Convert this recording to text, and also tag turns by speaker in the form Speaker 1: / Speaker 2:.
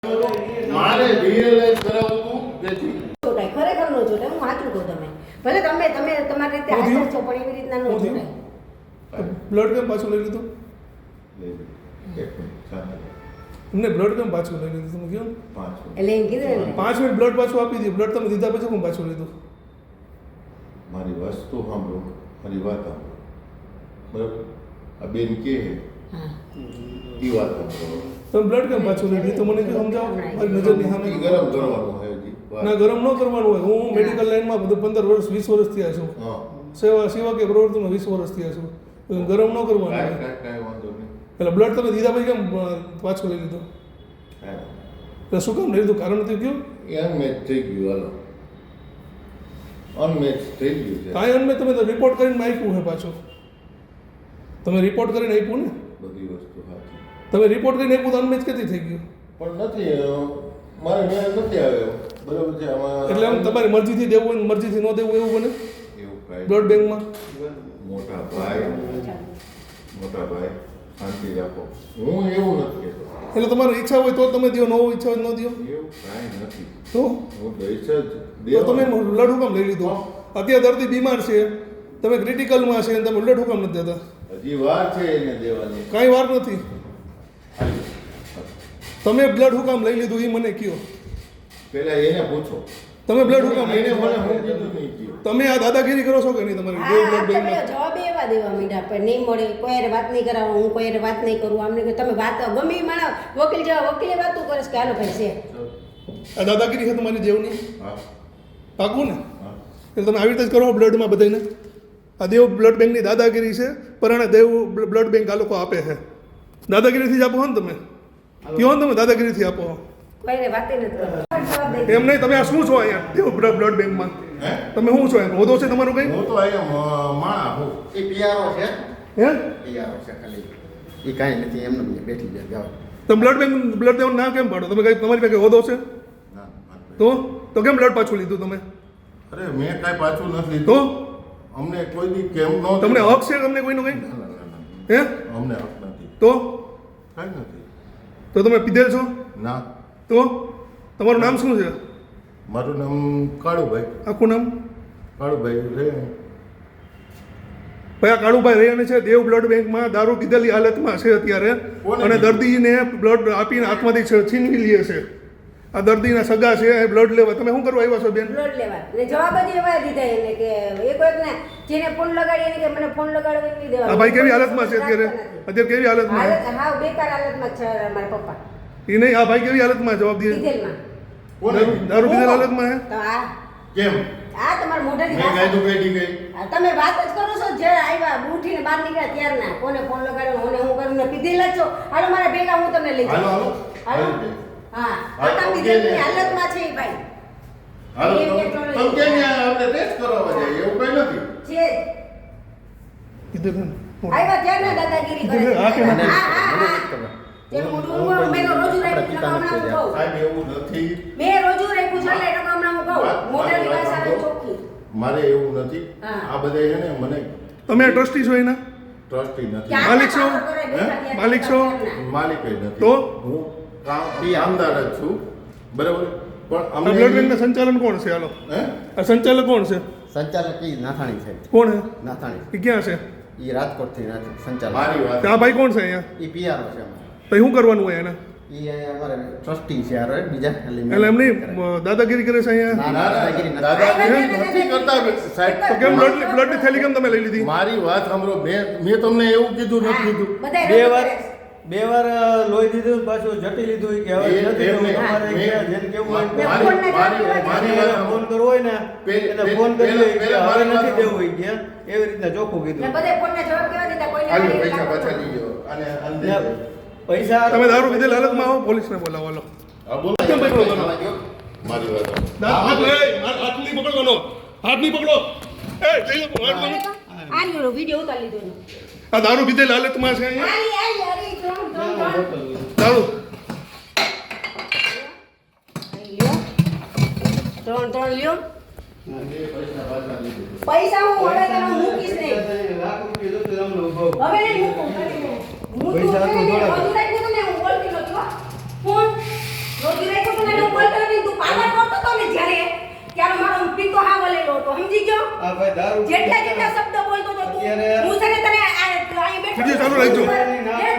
Speaker 1: મારે રિયલાઇઝ કરાવતું નથી.
Speaker 2: જોડાય ખરેખર નો જોડાય. હું સાચું કહું તમે ભલે તમે તમારી રીતે હાજર છો પણ એવી રીતના નો જોડાય.
Speaker 3: બ્લડ કેમ પાછું લઈ લીધું? એમને બ્લડ કેમ પાછું લઈ લીધું તમે કહો?
Speaker 2: એટલે એમ કીધું ને
Speaker 3: 5 મિનિટ બ્લડ પાછું આપી દીધું. બ્લડ તમે દીધા પછી કેમ પાછું લીધું?
Speaker 1: મારી વસ્તુ સાંભળો, મારી વાત સાંભળો, બરાબર? આ બેન કે
Speaker 2: હા
Speaker 1: એ વાત સાંભળો.
Speaker 3: તમે બ્લડ કેમ પાછું લઈ લીધું? મને કે સમજાવો. મારી નજરની સામે
Speaker 1: ઈ ગરમ કરવાનું હોય હજી.
Speaker 3: ના, ગરમ ન કરવાનું હોય. હું મેડિકલ લાઈનમાં બધું 15 વર્ષ 20 વર્ષ થયા છું.
Speaker 1: હા,
Speaker 3: સેવા કે પ્રવૃત્તિમાં 20 વર્ષ થયા છું. ગરમ ન કરવાનું હોય.
Speaker 1: કાંઈ વાંધો નહીં.
Speaker 3: એટલે બ્લડ તમે દીધા પછી કેમ પાછું લઈ લીધું?
Speaker 1: કાંઈ
Speaker 3: એટલે શું કામ લઈ લીધું? કારણ નથી કયું?
Speaker 1: એ અનમેચ થઈ ગયું. હાલો, અનમેચ થઈ ગયું છે.
Speaker 3: કાંઈ અનમે તમે તો રિપોર્ટ કરીને આપ્યું છે પાછું. તમે રિપોર્ટ કરીને આપ્યું ને?
Speaker 1: બધી વસ્તુ સાચી
Speaker 3: તમે રિપોર્ટ કરીને આપ્યું તો અનમેચ કેથી થઈ ગયું?
Speaker 1: પણ નથી, મારે મેળ નથી આવ્યો. બરાબર છે. આમાં
Speaker 3: એટલે આમ તમારી મરજીથી દેવું હોય ને મરજીથી ન દેવું એવું બને
Speaker 1: એવું કાંઈ
Speaker 3: બ્લડ બેંકમાં?
Speaker 1: મોટા ભાઈ શાંતિ રાખો. હું એવું નથી કહેતો.
Speaker 3: એટલે તમારી ઈચ્છા હોય તો તમે દો, ન હોય ઈચ્છા હોય ન દો.
Speaker 1: એવું કાંઈ નથી.
Speaker 3: તો
Speaker 1: હું દઈશ જ
Speaker 3: તમે બ્લડ હુકમ લઈ લીધું? અત્યારે દર્દી બીમાર છે, તમે ક્રિટિકલમાં છે, તમે બ્લડ હુકમ નથી દેતા?
Speaker 1: હજી વાર છે એને દેવાની.
Speaker 3: કાંઈ વાર નથી. તમે બ્લડ હુકમ લઈ લીધું એ મને કયો.
Speaker 1: પેલા એને પૂછો.
Speaker 3: તમે બ્લડ હુકમ લઈ
Speaker 1: એને
Speaker 3: લીધું?
Speaker 1: મને હું કીધું નહીં કીધું.
Speaker 3: તમે આ દાદાગીરી કરો છો કે નહીં તમારી
Speaker 2: હા
Speaker 3: બ્લડ
Speaker 2: તમે
Speaker 3: બેંકમાં?
Speaker 2: જવાબ એવા દેવા માંડ્યા પણ નહીં મળે, કોઈ હારે વાત નહીં કરાવો, હું કોઈ હારે વાત નહીં કરું. આમને કે તમે વાત ગમે એ માણસ વકીલ જેવા વકીલે વાતો કરે છે કે હાલો ભાઈ છે.
Speaker 3: આ દાદાગીરી છે તમારી જેવની?
Speaker 1: હા,
Speaker 3: પાકું ને?
Speaker 1: હા.
Speaker 3: એટલે તમે આવી રીતે જ કરો બ્લડમાં બધાને? આ દેવ બ્લડ બેંકની દાદાગીરી છે. પરાણે દેવ બ્લડ બેંક આ લોકો આપે છે. દાદાગીરીથી જ આપો હો ને તમે? કયો ને તમે દાદાગીરીથી આપો?
Speaker 2: કોઈ હારે વાત નથી કરવી. જવાબ દઈ
Speaker 3: એમ નહીં, તમે આ શું છો અહીંયા દેવ બ્લડ બેંકમાં?
Speaker 1: હે?
Speaker 3: તમે શું છો? એમ હોદો છે તમારું કંઈ?
Speaker 1: હું તો અહીંયા માણા હું.
Speaker 4: એ પિયારો છે,
Speaker 3: હે?
Speaker 4: પિયારો છે ખાલી. એ કાંઈ નથી, એમને બેઠી જાય જાઓ.
Speaker 3: તમે બ્લડ દેવાનું ના કેમ પાડો? તમે કઈ તમારી પાસે હોદો છે?
Speaker 1: ના, ના.
Speaker 3: તો કેમ બ્લડ પાછું લીધું તમે?
Speaker 1: અરે મેં કાંઈ પાછું નથી
Speaker 3: તો
Speaker 1: લીધું. અમને કોઈ દી કેમ ન
Speaker 3: તમને હક છે તમને કોઈનો કંઈ?
Speaker 1: ના, ના, ના, ના.
Speaker 3: હે?
Speaker 1: અમને હક નથી.
Speaker 3: તો
Speaker 1: કાંઈ નથી.
Speaker 3: તો તમે પીધેલ છો?
Speaker 1: ના.
Speaker 3: તો તમારું નામ શું છે?
Speaker 1: મારું નામ કાળુભાઈ.
Speaker 3: આખું નામ?
Speaker 1: કાળુભાઈ રે.
Speaker 3: ભાઈ આ કાળુભાઈ રહીને છે દેવ બ્લડ બેંકમાં દારૂ પીધેલી હાલતમાં છે અત્યારે.
Speaker 1: કોને
Speaker 3: અને
Speaker 1: કીધું?
Speaker 3: દર્દીને બ્લડ આપીને હાથમાંથી છીનવી લે છે. આ દર્દીના સગા છે એ બ્લડ લેવા. તમે શું કરવા આવ્યા છો બેન?
Speaker 2: બ્લડ લેવા એટલે જવાબ જ એવા દીધા એને કે એક એક ને જેને ફોન લગાડી એને કે મને ફોન લગાડવો નહીં દેવા.
Speaker 3: આ ભાઈ કેવી હાલતમાં છે અત્યારે? અત્યારે કેવી હાલતમાં છે?
Speaker 2: હાવ બેકાર હાલતમાં છે મારા પપ્પા.
Speaker 3: એ નહીં, આ ભાઈ કેવી હાલતમાં જવાબ દે?
Speaker 2: ડીઝલમાં.
Speaker 1: કોને કીધું?
Speaker 3: દારૂ પીધેલ હાલતમાં હે?
Speaker 2: તો આ
Speaker 1: કેમ?
Speaker 2: તમારા મોઢાની
Speaker 1: મેં
Speaker 2: ભાષા.
Speaker 1: કાંઈ તો કઈ ગઈ.
Speaker 2: આ તમે વાત જ કરો છો જે આવ્યા ઉઠીને બહાર નીકળ્યા ત્યારના કોને ફોન લગાડ્યો હું કરું ને પીધેલા જ છો. હાલો મારા ભેગા હું તમને લઈ
Speaker 1: હાલો
Speaker 2: જાઉં.
Speaker 1: હાલો.
Speaker 2: હાલો. હા
Speaker 1: હાલો,
Speaker 2: આટલા પીધેલની હાલતમાં છે એ ભાઈ.
Speaker 1: હાલો
Speaker 2: એ
Speaker 1: તમે
Speaker 2: કે થોડું
Speaker 1: કેમ ત્યાં આપણે ટેસ્ટ કરાવવા જાય એવું કઈ નથી.
Speaker 2: છે
Speaker 3: કીધું ને?
Speaker 2: આવ્યા ત્યારના દાદાગીરી કરે છે.
Speaker 3: હા કે
Speaker 2: હા
Speaker 3: ના?
Speaker 2: હા હા જે મોઢું મેં તો રોજુ રાખ્યું છે હમણાં હું કહું.
Speaker 1: સાહેબ એવું નથી.
Speaker 2: મેં રોજુ રાખ્યું છે એટલે હમણાં હું કહું. મોઢાની ભાષા આવે ચોખ્ખી.
Speaker 1: મારે એવું નથી.
Speaker 2: હા.
Speaker 1: આ બધા છે ને મને
Speaker 3: તમે ટ્રસ્ટી છો એના?
Speaker 1: ટ્રસ્ટી નથી.
Speaker 2: ક્યાં
Speaker 3: માલિક છો?
Speaker 2: કામ કરે બેઠા
Speaker 1: હે?
Speaker 2: ત્યાં
Speaker 3: માલિક છો?
Speaker 2: ત્યારના.
Speaker 1: માલિક જ નથી.
Speaker 3: તો?
Speaker 1: હું કામદાર જ છું. બરાબર. પણ
Speaker 3: આ બ્લડ
Speaker 1: અમને
Speaker 3: બેંકના સંચાલન કોણ છે? હાલો,
Speaker 1: હે?
Speaker 3: આ સંચાલક કોણ છે?
Speaker 4: સંચાલક એ નાથાણી છે,
Speaker 3: કોણ છે?
Speaker 4: નાથાણી.
Speaker 3: એ ક્યાં છે?
Speaker 4: એ રાજકોટથી સંચાલક.
Speaker 1: મારી વાત
Speaker 3: આ ભાઈ કોણ છે અહીંયા?
Speaker 4: એ પિયારો છે અમારે.
Speaker 3: તો શું કરવાનું હોય એને?
Speaker 4: એ અમારે ટ્રસ્ટી છે યાર, બીજા ખાલી
Speaker 3: એટલે એમની દાદાગીરી કરે છે અહીંયા?
Speaker 4: ના, ના, દાદાગીરી નથી.
Speaker 1: દાદાગીરી નથી કરતા સાહેબ.
Speaker 3: તો કેમ બ્લડની થેલી કેમ તમે લઈ લીધી?
Speaker 1: મારી વાત સાંભળો. મેં તમને એવું કીધું નથી કીધું.
Speaker 2: બધાય
Speaker 5: બે
Speaker 2: રોજુ
Speaker 5: વાર
Speaker 2: કરે છે.
Speaker 5: બે વાર લોહી દીધું, પાછું જટી લીધું કે હવે
Speaker 1: એ-
Speaker 5: નથી દેવું,
Speaker 1: એમને-
Speaker 5: તમારે
Speaker 1: મેં-
Speaker 5: કે જેને કેવું હોય
Speaker 2: મેં
Speaker 1: મારી-
Speaker 2: ફોનને
Speaker 1: મારી-
Speaker 2: જવાબ
Speaker 1: મારી
Speaker 2: દીધો.
Speaker 1: વાત
Speaker 5: એને ફોન કરવો હોય ને એને ફોન કરી લે કે
Speaker 1: પેલા
Speaker 5: હવે
Speaker 1: મારી વાત
Speaker 5: નથી દેવું હોય કે એવી રીતના ચોખ્ખું
Speaker 2: ને
Speaker 5: કીધું.
Speaker 2: બધે ફોનના જવાબ કેવા દીધા કોઈને
Speaker 1: હાલો
Speaker 2: નહીં
Speaker 1: પૈસા
Speaker 2: લાગતો.
Speaker 1: પાછા લીજો અને અંદે
Speaker 5: ને પૈસા
Speaker 3: તમે દારૂ પીધેલ હાલતમાં આવો, પોલીસને બોલાવો. હાલો.
Speaker 1: હા બોલો.
Speaker 3: કેમ પકડો તમે?
Speaker 1: મારી વાત સાંભળો.
Speaker 3: હાથ નહીં પકડવાનો. હાથ નહીં પકડો. એ જઈ લો, હાથ પકડો.
Speaker 2: આ રહ્યો વિડીયો ઉતારી લીધો એનો.
Speaker 3: આ દારૂ પીધેલ હાલતમાં છે અહીંયા.
Speaker 2: આરી ત્રણ.
Speaker 3: દારૂ
Speaker 2: ત્રણ લ્યો. પૈસા હું હવે તને મૂકીશ નહીં.
Speaker 5: લાખ રૂપિયા જોતું તમને ઉભો.
Speaker 2: હવે નહીં મૂકું. મૂકું
Speaker 5: પૈસા તો
Speaker 2: નહીં.
Speaker 5: થોડા.
Speaker 2: બધું રાખ્યું તમને હું બોલતી નથી હો. ફોન રોજ સમજી ગયો
Speaker 5: આ ભાઈ દારૂ
Speaker 2: જેટલા જેટલા શબ્દ બોલતો હતો તું
Speaker 5: અત્યારે-
Speaker 2: હું છે ને તને અહીં બેઠો
Speaker 3: વિડીયો ચાલુ રાખજો.
Speaker 2: એ